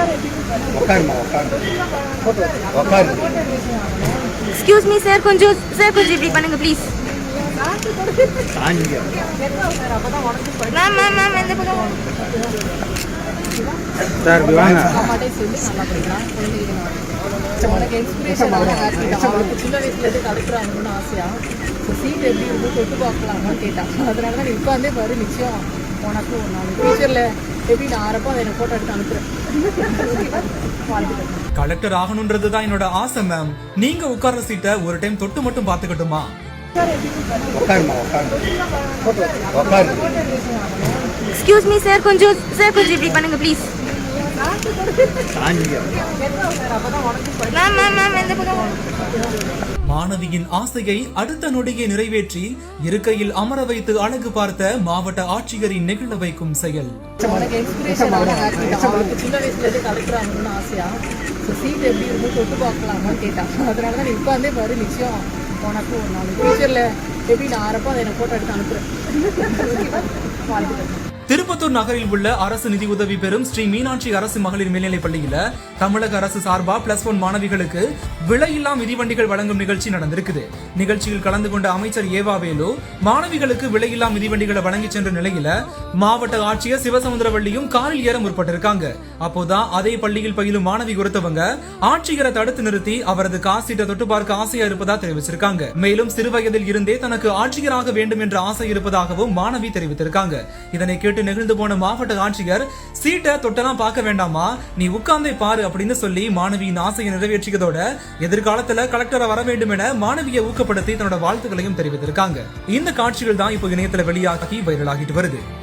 Excuse me sir, கொஞ்சம் இப்படி பண்ணுங்க ப்ளீஸ். மேம் மேம் மேம் எந்த பக்கம் சார் வாங்க. உனக்கு இன்ஸ்பிரேஷன் அவனுக்கு சின்ன வயசுலேருந்து கலெக்டர் ஆகணும்னு ஆசையா சீட் எப்படி இருக்கும் தொட்டு பார்க்கலாமா கேட்டான். அதனால தான் நீ உட்காந்தே பாரு, நிச்சயம் உனக்கு ஒரு நாள் ஃபியூச்சரில் எப்படி நான் ஆறப்போ அதை எனக்கு ஃபோட்டோ எடுத்து அனுப்புகிறேன். கலெக்டர் ஆகணும்ன்றது தான் என்னோட ஆசை மேம். நீங்க உட்கார்ற சீட்டை ஒரு டைம் தொட்டு மட்டும் பாத்துக்கட்டுமா? எக்ஸ்கியூஸ் மீ சார், கொஞ்சம் இப்படி பண்ணுங்க ப்ளீஸ். மேம் மேம் மேம் எந்த பக்கம் மாணவியின் ஆசையை அடுத்த நொடியை நிறைவேற்றி இருக்கையில் அமர வைத்து அழகு பார்த்த மாவட்ட ஆட்சியரின் நெகிழ வைக்கும் செயல். உனக்கு இன்ஸ்பிரேஷன் அவனுக்கு சின்ன வயசுலேருந்து கலெக்டர் ஆகணும்னு ஆசையா சீட் எப்படி இருக்கும் தொட்டு பார்க்கலாமா கேட்டான். அதனால தான் நீ உட்காந்தே பாரு, நிச்சயம் உனக்கு ஒரு நாள் ஃபியூச்சரில் எப்படி நான் ஆறப்போ அதை எனக்கு ஃபோட்டோ எடுத்து அனுப்புகிறேன். திருப்பத்தூர் நகரில் உள்ள அரசு நிதி உதவி பெறும் ஸ்ரீ மீனாட்சி அரசு மகளிர் மேல்நிலைப் பள்ளியில தமிழக அரசு சார்பா +1 மாணவிகளுக்கு விலையில்லா மிதிவண்டிகள் வழங்கும் நிகழ்ச்சி நடந்திருக்குது. நிகழ்ச்சியில் கலந்து கொண்ட அமைச்சர் ஏவாவேலு மாணவிகளுக்கு விலையில்லா மிதிவண்டிகளை வழங்கி சென்ற நிலையில மாவட்ட ஆட்சியர் சிவசமுத்திரவள்ளியும் காரில் ஏற முற்பட்டிருக்காங்க. அப்போதான் அதே பள்ளியில் பயிலும் மாணவி ஒருத்தவங்க ஆட்சியரை தடுத்து நிறுத்தி அவரது காசீட்டை தொட்டு பார்க்க ஆசையா இருப்பதா தெரிவிச்சிருக்காங்க. மேலும் சிறுவயதில் இருந்தே தனக்கு ஆட்சியராக வேண்டும் என்ற ஆசை இருப்பதாகவும் மாணவி தெரிவித்திருக்காங்க. இதனை கேட்டு நெகிழ்ந்து போன மாவட்ட ஆட்சியர், சீட்டை தொட்டெல்லாம் பார்க்க வேண்டாமா, நீ உட்கார்ந்தே பாரு அப்படின்னு சொல்லி மாணவியின் ஆசையை நிறைவேற்றியதோட எதிர்காலத்துல கலெக்டரா வர வேண்டும் என மாணவியை ஊக்கப்படுத்தி தன்னோட வாழ்த்துக்களையும் தெரிவித்திருக்காங்க. இந்த காட்சிகள் தான் இப்போ இணையத்துல வெளியாகி வைரலாகிட்டு வருது.